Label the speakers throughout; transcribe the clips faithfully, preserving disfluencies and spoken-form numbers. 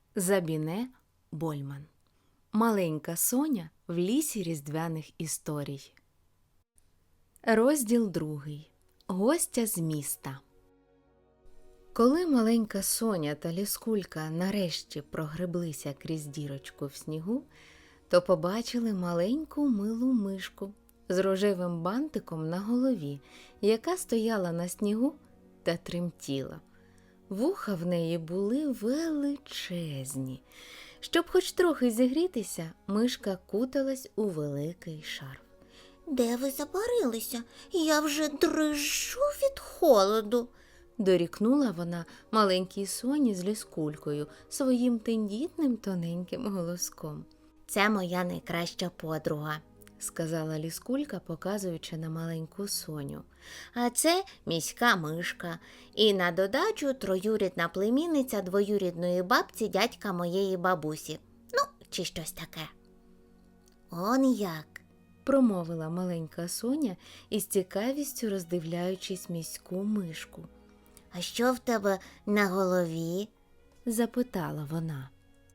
Speaker 1: Забіне Больман. Маленька Соня в лісі різдвяних історій. Розділ другий. Гостя з міста. Коли маленька Соня та Ліскулька нарешті прогреблися крізь дірочку в снігу, то побачили маленьку милу мишку з рожевим бантиком на голові, яка стояла на снігу та тремтіла. Вуха в неї були величезні. Щоб хоч трохи зігрітися, мишка куталась у великий шарф.
Speaker 2: «Де ви забарилися? Я вже дрижу від холоду»,
Speaker 1: – дорікнула вона маленькій Соні з Ліскулькою своїм тендітним тоненьким голоском.
Speaker 2: «Це моя найкраща подруга»,
Speaker 1: – сказала Ліскулька, показуючи на маленьку Соню.
Speaker 2: «А це міська мишка. І на додачу троюрідна племінниця двоюрідної бабці дядька моєї бабусі. Ну, чи щось таке». «Он як»,
Speaker 1: – промовила маленька Соня із цікавістю роздивляючись міську мишку.
Speaker 2: «А що в тебе на голові?»
Speaker 1: – запитала вона.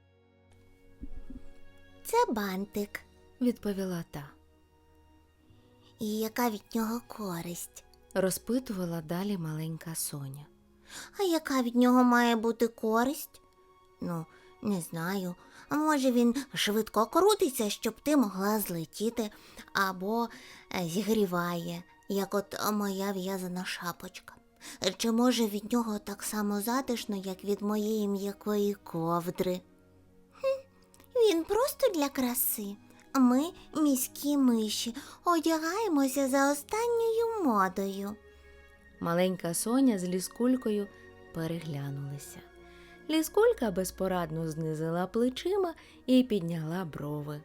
Speaker 2: «Це бантик»,
Speaker 1: – відповіла та.
Speaker 2: «І яка від нього користь?»
Speaker 1: – розпитувала далі маленька Соня.
Speaker 2: «А яка від нього має бути користь?» «Ну, не знаю. А може він швидко крутиться, щоб ти могла злетіти, або зігріває, як от моя в'язана шапочка. Чи може від нього так само затишно, як від моєї м'якої ковдри?» «Хм, він просто для краси. Ми, міські миші, одягаємося за останньою модою».
Speaker 1: Маленька Соня з Ліскулькою переглянулися. Ліскулька безпорадно знизила плечима і підняла брови.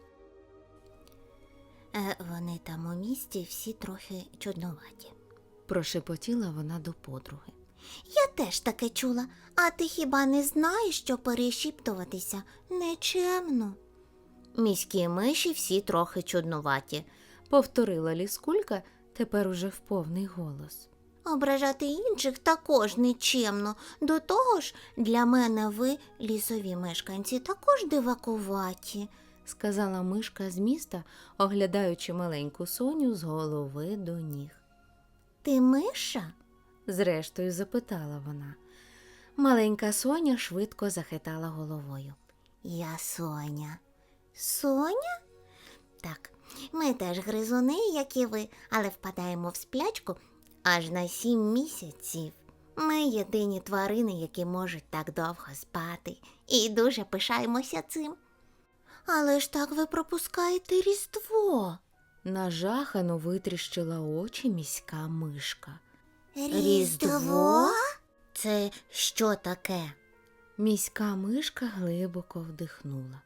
Speaker 2: Е, «Вони там у місті всі трохи чудноваті»,
Speaker 1: – прошепотіла вона до подруги.
Speaker 2: «Я теж таке чула. А ти хіба не знаєш, що перешіптуватися нечемно?» «Міські миші всі трохи чудноваті»,
Speaker 1: – повторила Ліскулька тепер уже в повний голос.
Speaker 2: «Ображати інших також нечемно. До того ж, для мене ви, лісові мешканці, також дивакуваті»,
Speaker 1: – сказала мишка з міста, оглядаючи маленьку Соню з голови до ніг.
Speaker 2: «Ти миша?»
Speaker 1: – зрештою запитала вона. Маленька Соня швидко захитала головою.
Speaker 2: «Я Соня». «Соня? Так, ми теж гризуни, як і ви, але впадаємо в сплячку аж на сім місяців. Ми єдині тварини, які можуть так довго спати, і дуже пишаємося цим». «Але ж так ви пропускаєте Різдво!» –
Speaker 1: нажахано витріщила очі міська мишка.
Speaker 2: «Різдво? Це що таке?»
Speaker 1: Міська мишка глибоко вдихнула.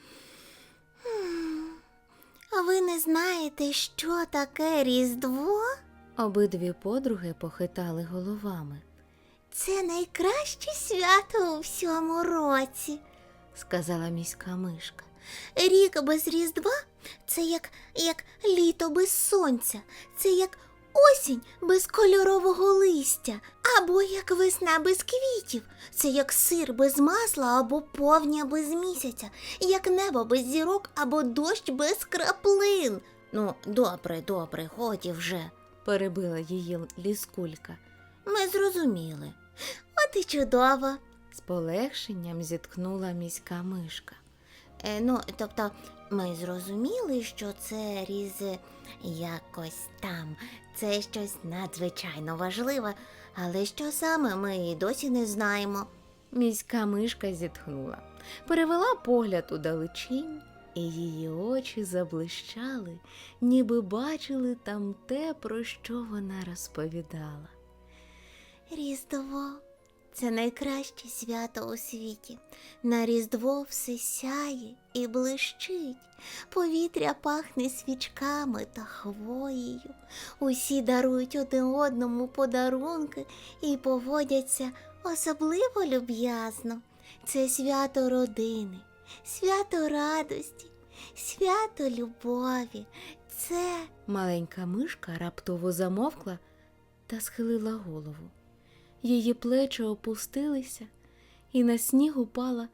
Speaker 2: «А ви не знаєте, що таке Різдво?»
Speaker 1: Обидві подруги похитали головами.
Speaker 2: «Це найкраще свято у всьому році», –
Speaker 1: сказала міська мишка.
Speaker 2: «Рік без Різдва – це як, як літо без сонця, це як осінь без кольорового листя, або як весна без квітів, це як сир без масла або повня без місяця, як небо без зірок або дощ без краплин». «Ну, добре, добре, годі вже», –
Speaker 1: перебила її Ліскулька.
Speaker 2: «Ми зрозуміли. От і чудово», –
Speaker 1: з полегшенням зітхнула міська мишка.
Speaker 2: Е, ну, тобто, ми зрозуміли, що це різ якось там, це щось надзвичайно важливе, але що саме, ми і досі не знаємо».
Speaker 1: Міська мишка зітхнула, перевела погляд у далечінь, і її очі заблищали, ніби бачили там те, про що вона розповідала.
Speaker 2: «Різдво – це найкраще свято у світі. На Різдво все сяє і блищить. Повітря пахне свічками та хвоєю. Усі дарують один одному подарунки і поводяться особливо люб'язно. Це свято родини, свято радості, свято любові. Це…»
Speaker 1: Маленька мишка раптово замовкла та схилила голову. Її плечі опустилися, і на сніг упала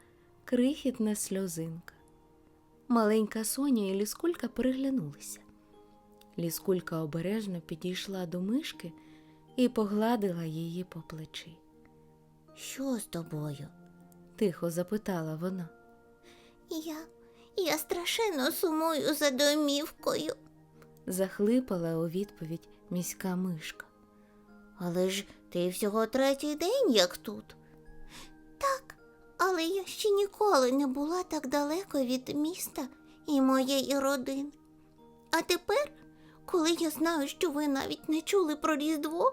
Speaker 1: крихітна сльозинка. Маленька Соня і Ліскулька переглянулися. Ліскулька обережно підійшла до мишки і погладила її по плечі.
Speaker 2: Що з тобою?
Speaker 1: Тихо запитала вона.
Speaker 2: Я, я страшенно сумую за домівкою.
Speaker 1: Захлипала у відповідь міська мишка.
Speaker 2: Але ж ти всього третій день, як тут. Так, але я ще ніколи не була так далеко від міста і моєї родини. А тепер, коли я знаю, що ви навіть не чули про Різдво,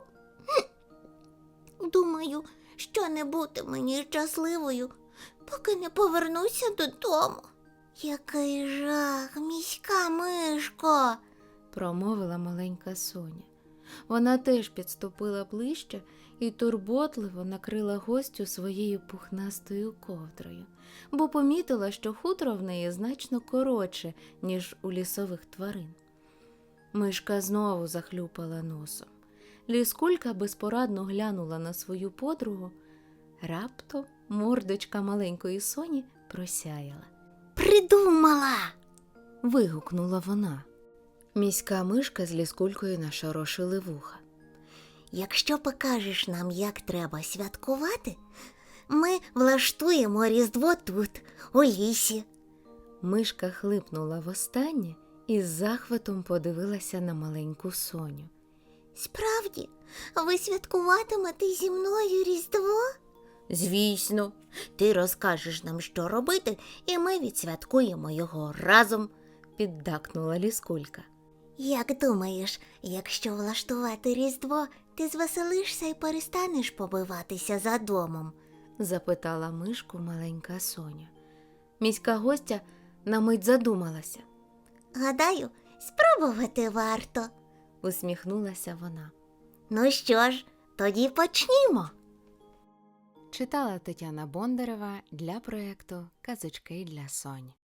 Speaker 2: думаю, що не бути мені щасливою, поки не повернуся додому. Який жах, міська мишко!
Speaker 1: Промовила маленька Соня. Вона теж підступила ближче і турботливо накрила гостю своєю пухнастою ковдрою, бо помітила, що хутро в неї значно коротше, ніж у лісових тварин. Мишка знову захлюпала носом. Ліскулька безпорадно глянула на свою подругу. Раптом мордочка маленької Соні просяяла.
Speaker 2: Придумала!
Speaker 1: Вигукнула вона. Міська мишка з Ліскулькою нашорошили вуха.
Speaker 2: Якщо покажеш нам, як треба святкувати, ми влаштуємо Різдво тут, у лісі.
Speaker 1: Мишка хлипнула востаннє і з захватом подивилася на маленьку Соню.
Speaker 2: Справді, ви святкуватимете зі мною Різдво? Звісно, ти розкажеш нам, що робити, і ми відсвяткуємо його разом,
Speaker 1: Піддакнула Ліскулька.
Speaker 2: Як думаєш, якщо влаштувати Різдво, ти звеселишся і перестанеш побиватися за домом?
Speaker 1: Запитала мишку маленька Соня. Міська гостя на мить задумалася.
Speaker 2: Гадаю, спробувати варто.
Speaker 1: Усміхнулася вона.
Speaker 2: Ну що ж, тоді почнімо.
Speaker 1: Читала Тетяна Бондарева для проєкту «Казочки для Соні».